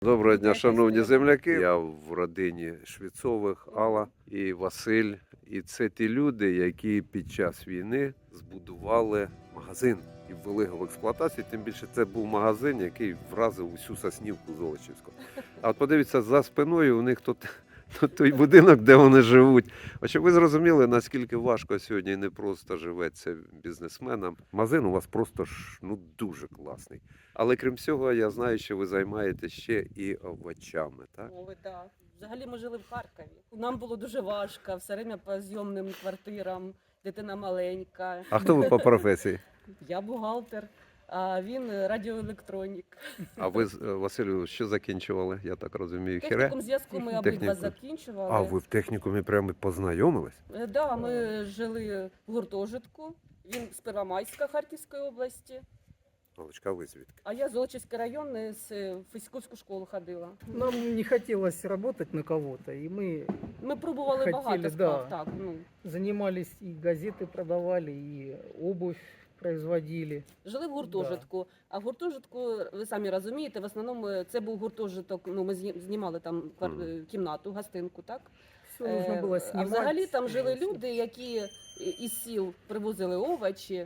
Доброго дня, шановні земляки. Я в родині Швецових, Алла і Василь. І це ті люди, які під час війни збудували магазин і ввели його в експлуатацію. Тим більше це був магазин, який вразив усю Соснівку Золочівську. А от подивіться, за спиною у них тут той будинок, де вони живуть. А щоб ви зрозуміли, наскільки важко сьогодні не просто живеться бізнесменам. Магазин у вас просто дуже класний. Але крім всього, я знаю, що ви займаєтеся ще і овочами, так? Мови, так. Взагалі ми жили в Харкові. Нам було дуже важко, все время по зйомним квартирам, дитина маленька. А хто ви по професії? Я бухгалтер, а він радіоелектронік. А ви, Василю, що закінчували? Я так розумію, хіре? Технікум зв'язку ми обидва Технікум. закінчували. А ви в технікумі прямо познайомились? Да, ми жили в гуртожитку. Він з Первомайська Харківської області. Олечка, ви звідки? А я з Золочівський район, з фізкульську школу ходила. Нам не хотелось работать на кого-то, и мы Ми пробували Хотіли, багато да. справ. Так, занимались и газеты продавали, и обувь производили. Жили в гуртожитку, а в гуртожитку, ви самі розумієте, в основному це був гуртожиток, ми знімали там кімнату, гостинку, так? Все нужно было А снимать. взагалі там жили люди, які із сіл привозили овочі,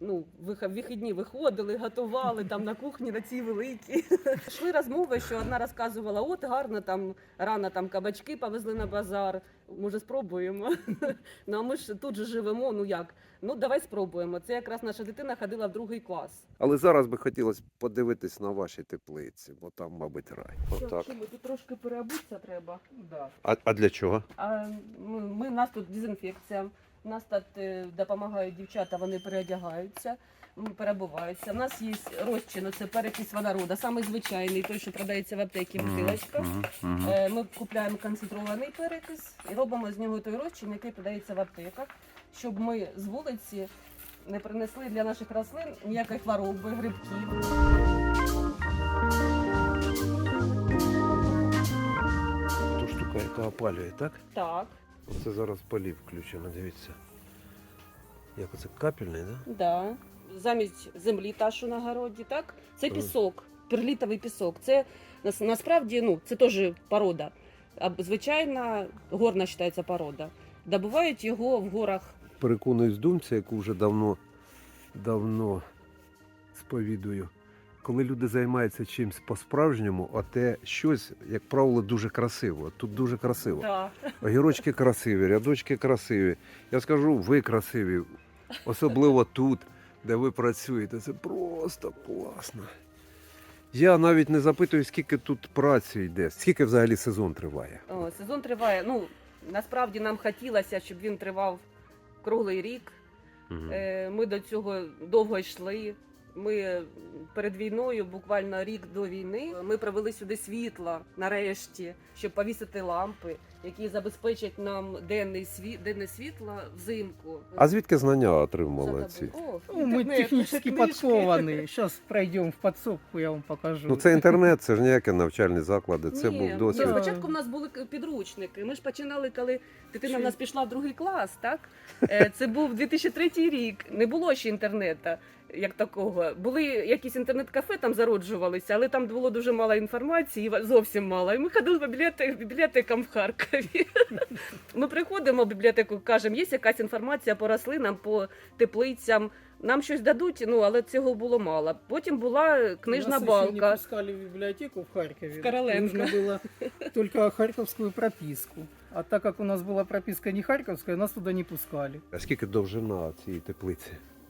в вихідні виходили, готували там на кухні на цій великій. Йшли розмови, що одна розказувала, от гарно, там рано там кабачки повезли на базар, може спробуємо. Ну а ми ж тут же живемо, як? Давай спробуємо. Це якраз наша дитина ходила в 2 клас. Але зараз би хотілося подивитись на ваші теплиці, бо там, мабуть, рай. Отак. Тут трошки переобутися треба. Да. А для чого? У нас тут дезінфекція, у нас тут допомагають дівчата, вони переодягаються, перебуваються. У нас є розчин, це перекись водорода, самий звичайний, той, що продається в аптеці, бутилочка. Ми купуємо концентрований перекис і робимо з нього той розчин, який продається в аптеках, щоб ми з вулиці не принесли для наших рослин ніякої хвороби, грибків. Ту штука, яка опалює, так? Так. Оце зараз полів включено, дивіться. Як оце капельний, так? Да. Замість землі та, що на городі, так? Це пісок, перлітовий пісок. Це насправді, це теж порода. А звичайна горна вважається порода. Добувають його в горах. Переконуюсь думці, яку вже давно сповідую. Коли люди займаються чимось по-справжньому, а те щось, як правило, дуже красиво. Тут дуже красиво. Да. Огірочки красиві, рядочки красиві. Я скажу, ви красиві. Особливо тут, де ви працюєте. Це просто класно. Я навіть не запитую, скільки тут праці йде, скільки взагалі сезон триває. Сезон триває. Насправді нам хотілося, щоб він тривав круглий рік. Угу. Ми до цього довго йшли. Ми перед війною, буквально рік до війни, ми привели сюди світла нарешті, щоб повісити лампи, які забезпечать нам денне світло взимку. А звідки знання отримали ці? Мы технически подкованные. Сейчас пройдем в подсобку, я вам покажу. Це інтернет, це ж ніякі навчальні заклади, це був досвід. Спочатку в нас були підручники. Ми ж починали, коли дитина в нас пішла в 2 клас, так? Це був 2003 рік, не було ще інтернету. Як такого. Були якісь інтернет-кафе, там зароджувалися, але там було дуже мало інформації, зовсім мало. І ми ходили по бібліотекам в Харкові. Ми приходимо в бібліотеку, кажемо, є якась інформація по рослинам, по теплицям. Нам щось дадуть, але цього було мало. Потім була книжна балка. Нас не пускали в библиотеку в Харькове. В Короленко. Нужно было только харьковскую прописку. А так как у нас была прописка не харьковская, нас туда не пускали. А скільки довжина цієї теплиці?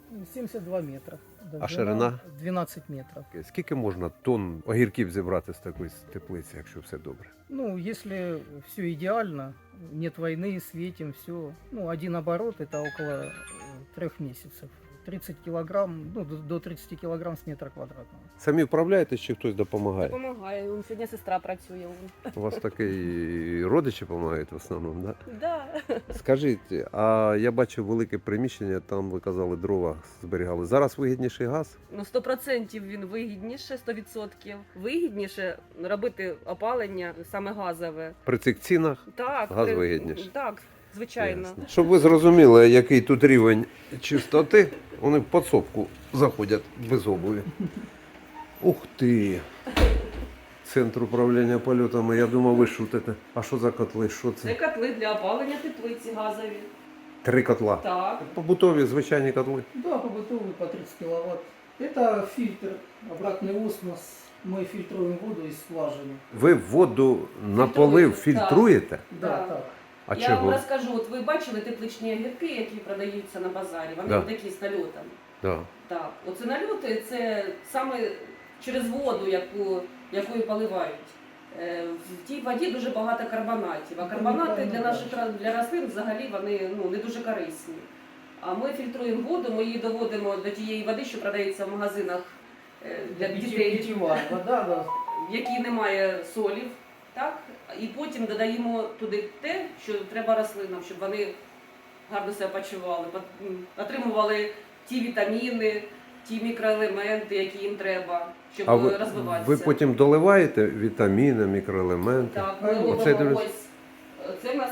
72 метра. А ширина? 12 метров. Скільки можна тонн огірків зібрати з такої теплиці, якщо все добре? Если все идеально, нет войны, светим, все. 1 оборот это около 3 месяцев. 30 килограмм, до 30 килограмм с метра квадратного. Самі вправляєтесь чи хтось допомагає? Допомагає. Сьогодні сестра працює. У вас такі родичі допомагають в основному, так? Да. Скажіть, а я бачив велике приміщення, там ви казали, дрова зберігали. Зараз вигідніший газ? 100% він вигідніше, 100%. Вигідніше робити опалення саме газове. При цих цінах Так, газ вигідніше? Так, звичайно. Ясно. Щоб ви зрозуміли, який тут рівень чистоти, вони в підсобку заходять без обуви. Ух ти! центр управління польотами. Я думав, ви шутите. А що за котли? Що Це це? котли для опалення теплиці газові. 3 котла. Так. Побутові, звичайні котли. Да, побытовый по 30 киловатт. Это фильтр, обратный осмос. Мы фильтруем воду из скважины. Ви воду на полив фільтруєте? Да, Да. так. А Я чого? вам розкажу, от ви бачили тепличні огірки, які продаються на базарі. Вони Да. такі з нальотом. Да. Так, оце нальоти це саме через воду, якою поливають. В тій воді дуже багато карбонатів, а карбонати для наших для рослин взагалі вони не дуже корисні. А ми фільтруємо воду, ми її доводимо до тієї води, що продається в магазинах для дітей, Питьевая вода, да. в якій немає солів. Так? І потім додаємо туди те, що треба рослинам, щоб вони гарно себе почували, отримували ті вітаміни, ті мікроелементи, які їм треба, щоб А ви, розвиватися. ви потім доливаєте вітаміни, мікроелементи? Так, ми Оце робимо ось. Це в нас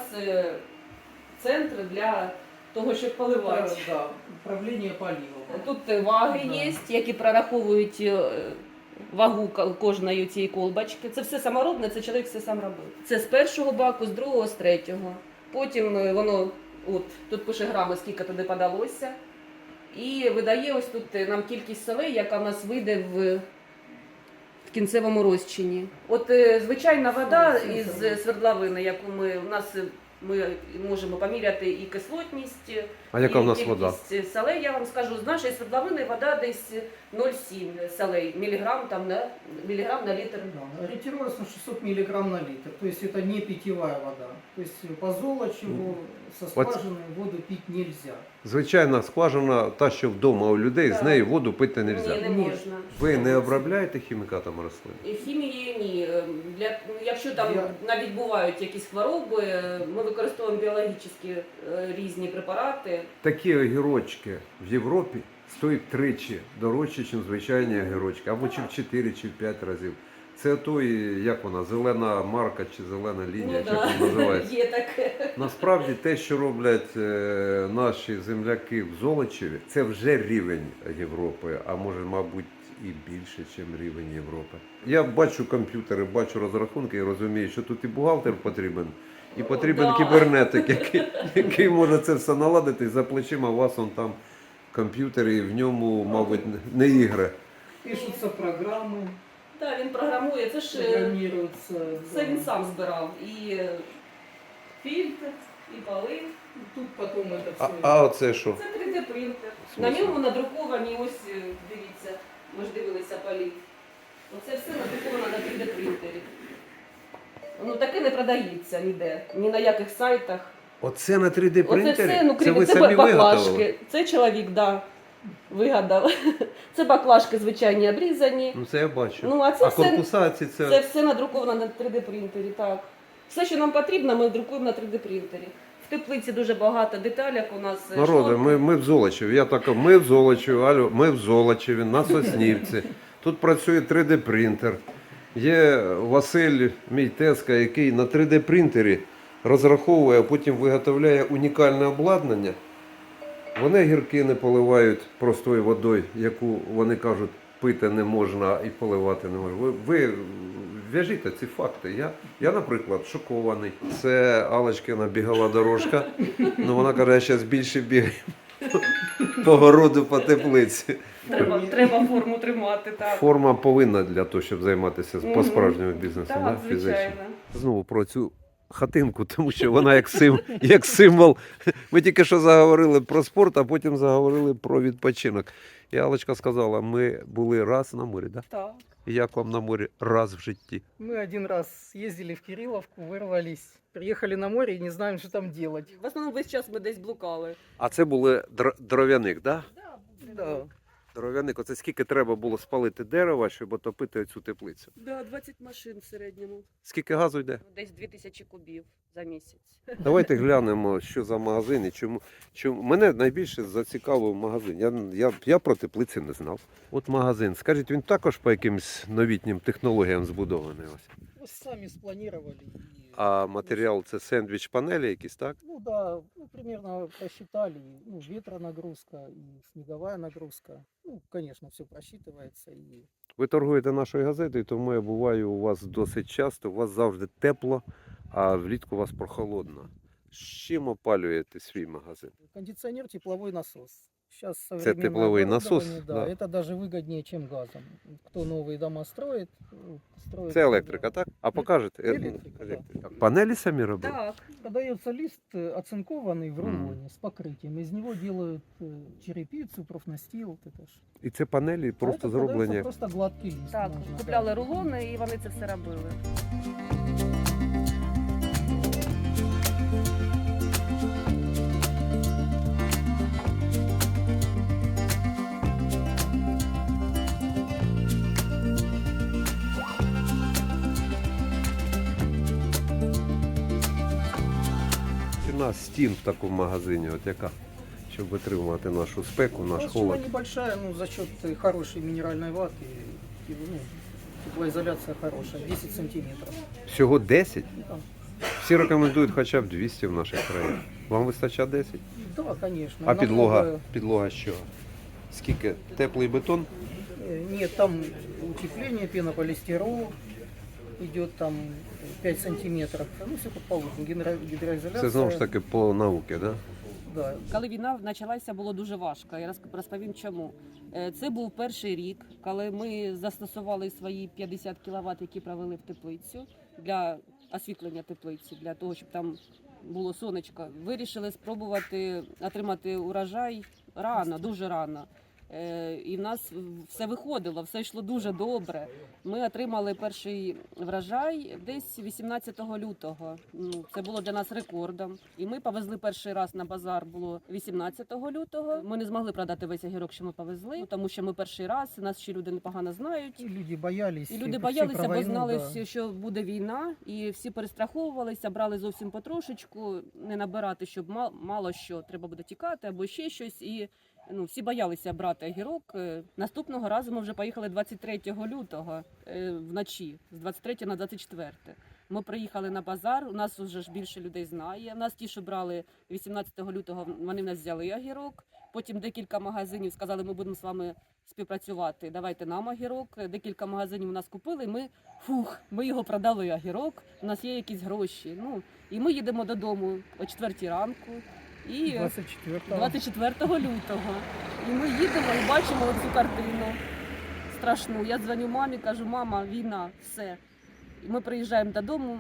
центр для того, щоб поливати. Это, да, управление поливом. Тут ваги Да. є, які прораховують вагу кожної цієї колбочки. Це все саморобне, це чоловік все сам робив. Це з першого баку, з другого, з третього. Потім воно, тут пише грами, скільки туди подалося. І видає ось тут нам кількість солей, яка в нас вийде в кінцевому розчині. От звичайна вода із свердловини, яку ми можемо поміряти і кислотність, А яка і в нас вода? кількість солей, я вам скажу, з нашої свердловини вода десь 0,7 солей, міліграм на літр. Да, ориентировочно 600 миллиграмм на литр. То есть это не питьевая вода. То есть по Золочеву со скважины воду пить нельзя. Звичайна скважина, та, що вдома у людей, з Так. неї воду пити не Ні, можна. не можна. Ви не обробляєте хімікатами рослин? І хімії ні. Якщо там навіть бувають якісь хвороби, ми використовуємо біологічні різні препарати. Такі огірочки в Європі стоять тричі дорожче, ніж звичайні огірочки, або чи в 4, чи в 5 разів. Це той, як вона, зелена марка чи зелена лінія, чи як вона називається. Є таке. Насправді те, що роблять наші земляки в Золочеві, це вже рівень Європи, а може, мабуть, і більше, ніж рівень Європи. Я бачу комп'ютери, бачу розрахунки і розумію, що тут і бухгалтер потрібен, і потрібен Да. кібернетик, який може це все наладити, і за плечима у вас он там комп'ютер, і в ньому, мабуть, не ігри. Пишутся программы, Так, він програмує. Це ж программируются. це да. він сам збирав. І фільтр, і поли. Тут потом это все. А оце що? Це 3D принтер. В На смислі? ньому надруковані, ось дивіться, ми ж дивилися полів. Оце все надруковано на 3D принтері. Таке не продається ніде, ні на яких сайтах. Оце на 3D Оце принтері? все, Це ви це самі виготовили? баклажки. Це чоловік, вигадав. Це баклажки звичайні обрізані. Ну це я бачу. А це А все, корпуса ці це все надруковано на 3D принтері, так. Все, що нам потрібно, ми друкуємо на 3D принтері. В теплиці дуже багато деталек у нас. Народи, шторки. ми в Золочеві. Я так, ми в Золочеві, алло, ми в Золочеві, на Соснівці. Тут працює 3D принтер. Є Василь, мій тезка, який на 3D принтері розраховує, а потім виготовляє унікальне обладнання. Вони гірки не поливають простою водою, яку вони кажуть, пити не можна і поливати не можна. Ви в'яжіть ці факти. Я, наприклад, шокований. Це Аллочкина бігова дорожка. Ну, вона каже, я зараз більше бігаю по городу, по теплиці. Треба форму тримати, так. Форма повинна для того, щоб займатися Мгм. по-справжньому бізнесом, Так, фізично. звичайно. Знову про цю хатинку, тому що вона як символ. Ми тільки що заговорили про спорт, а потім заговорили про відпочинок. І Аллочка сказала, ми були раз на морі, да? Так. І як вам на морі раз в житті? Мы один раз ездили в Кирилловку, вырвались, приехали на море и не знаем, что там делать. В основному весь час ми десь блукали. А це були дров'яник, да? Да. Дров'яник, оце скільки треба було спалити дерева, щоб отопити цю теплицю? Да, 20 машин в середньому. Скільки газу йде? Десь 2000 кубів за місяць. Давайте глянемо, що за магазин і чому. Мене найбільше зацікавив магазин. Я про теплиці не знав. От магазин. Скажіть, він також по якимось новітнім технологіям збудований? Ось? Мы сами спланировали. А матеріал це сендвіч панелі якісь, так? Ну да, примерно просчитали. Ветронагрузка и снеговая нагрузка. Конечно, все просчитывается. И Ви торгуєте нашою газетою, тому я буваю у вас досить часто. У вас завжди тепло, а влітку у вас прохолодно. З чим опалюєте свій магазин? Кондиционер, тепловой насос. Сейчас тепловой насос, да, да. это даже выгоднее, чем газом. Кто новые дома строит, строит... Це електрика, так? А покажете? Електрика, да. А панелі самі робили? Так. Подается лист оцинкованный в Мгм. рулоне с покрытием. Из него делают черепицу, профнастил. Вот это ж. І це панелі А просто это подается зроблені. просто гладкий лист. Так, можно, купляли да. рулони і вони це все робили. Ціна стін в такому магазині, от яка? Щоб витримувати нашу спеку, наш Толщина холод. небольшая, ну, за счет хорошей минеральной ваты, и, ну, теплоизоляция хорошая, 10 сантиметров. Всього 10? Да. Всі рекомендують хоча б 200 в наших країнах. Вам вистачає 10? Да, конечно. А підлога? Намного- Підлога з чого? Скільки? Теплий бетон? Нет, там утепление, пенополистирол, идет там 5 сантиметров. Ну, все как положено. Гидроизоляция. Це знову ж таки по науці, да? Да. Коли війна почалася, було дуже важко. Я розповім чому. Це був перший рік, коли ми застосували свої 50 кВт, які провели в теплицю для освітлення теплиці, для того, щоб там було сонечко. Вирішили спробувати отримати урожай рано, дуже рано. І в нас все виходило, все йшло дуже добре. Ми отримали перший врожай десь 18 лютого. Ну, це було для нас рекордом. І ми повезли перший раз на базар, було 18 лютого. Ми не змогли продати весь огірок, що ми повезли, тому що ми перший раз, нас ще люди непогано знають. И люди боялись. І люди все боялися, про бо войну, знали, да. що буде війна, і всі перестраховувалися, брали зовсім потрошечку, не набирати, щоб мало що треба буде тікати або ще щось. І ну, всі боялися брати огірок. Наступного разу ми вже поїхали 23 лютого вночі, з 23 на 24. Ми приїхали на базар, у нас вже ж більше людей знає. У нас ті, що брали 18 лютого, вони в нас взяли огірок. Потім декілька магазинів сказали, ми будемо з вами співпрацювати, давайте нам огірок. Декілька магазинів у нас купили, ми його продали огірок, у нас є якісь гроші. Ну, і ми їдемо додому о 4 ранку. І 24-го. 24 лютого. І ми їдемо і бачимо цю картину страшну. Я дзвоню мамі, кажу, мама, війна, все. І ми приїжджаємо додому,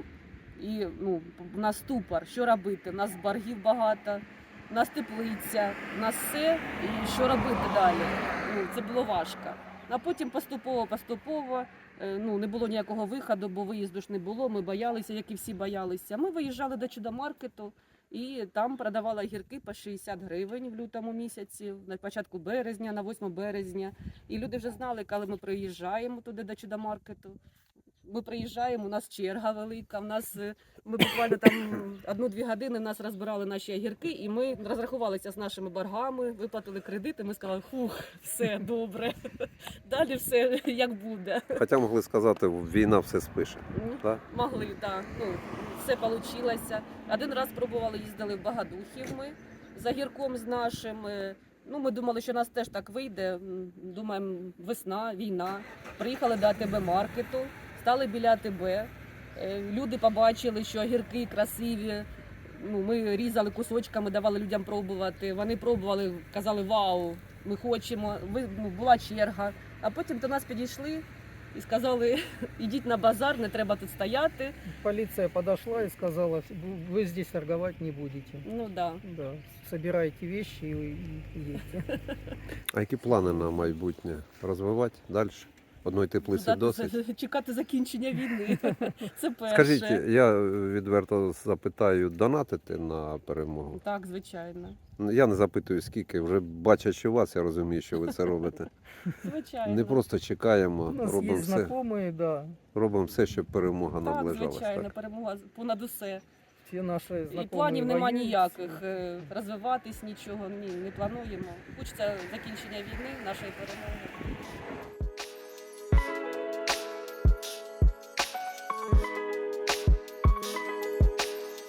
і ну, у нас ступор, що робити? У нас боргів багато, у нас теплиця, у нас все, і що робити далі? Ну, це було важко. А потім поступово, ну, не було ніякого виходу, бо виїзду ж не було, ми боялися, як і всі боялися. Ми виїжджали до чудомаркету, і там продавали огірки по 60 гривень в лютому місяці, на початку березня, на 8 березня. І люди вже знали, коли ми приїжджаємо туди до чудомаркету. Ми приїжджаємо, у нас черга велика, ми буквально там 1-2 години нас розбирали наші огірки, і ми розрахувалися з нашими боргами, виплатили кредити, ми сказали, все добре, далі все як буде. Хоча могли сказати, війна все спише. Так? Могли, так. Ну, все вийшло. Один раз пробували, їздили в Багадухів ми з огірком з нашим. Ну, ми думали, що нас теж так вийде. Думаємо, весна, війна. Приїхали до АТБ-маркету, стали біля АТБ. Люди побачили, що огірки красиві. Ну, ми різали кусочками, давали людям пробувати. Вони пробували, казали, вау, ми хочемо. Була черга. А потім до нас підійшли і сказали, ідіть на базар, не треба тут стояти. Полиция подошла и сказала, вы здесь торговать не будете. Ну да. Да, собирайте вещи и едьте. А які плани на майбутнє? Розвивати далі? Одної теплиці досить? Чекати закінчення війни. Це перше. Скажіть, я відверто запитаю, донатити на перемогу? Так, звичайно. Я не запитую скільки, вже бачачи вас, я розумію, що ви це робите. Звичайно. Не просто чекаємо, У нас робимо есть все, знакомые, да. робимо все, щоб перемога Так, наближалась. звичайно, Так. перемога понад усе. Все наши знакомые І планів нема воюют. ніяких. Розвиватись нічого, ні, не плануємо. Хочеться закінчення війни, нашої перемоги.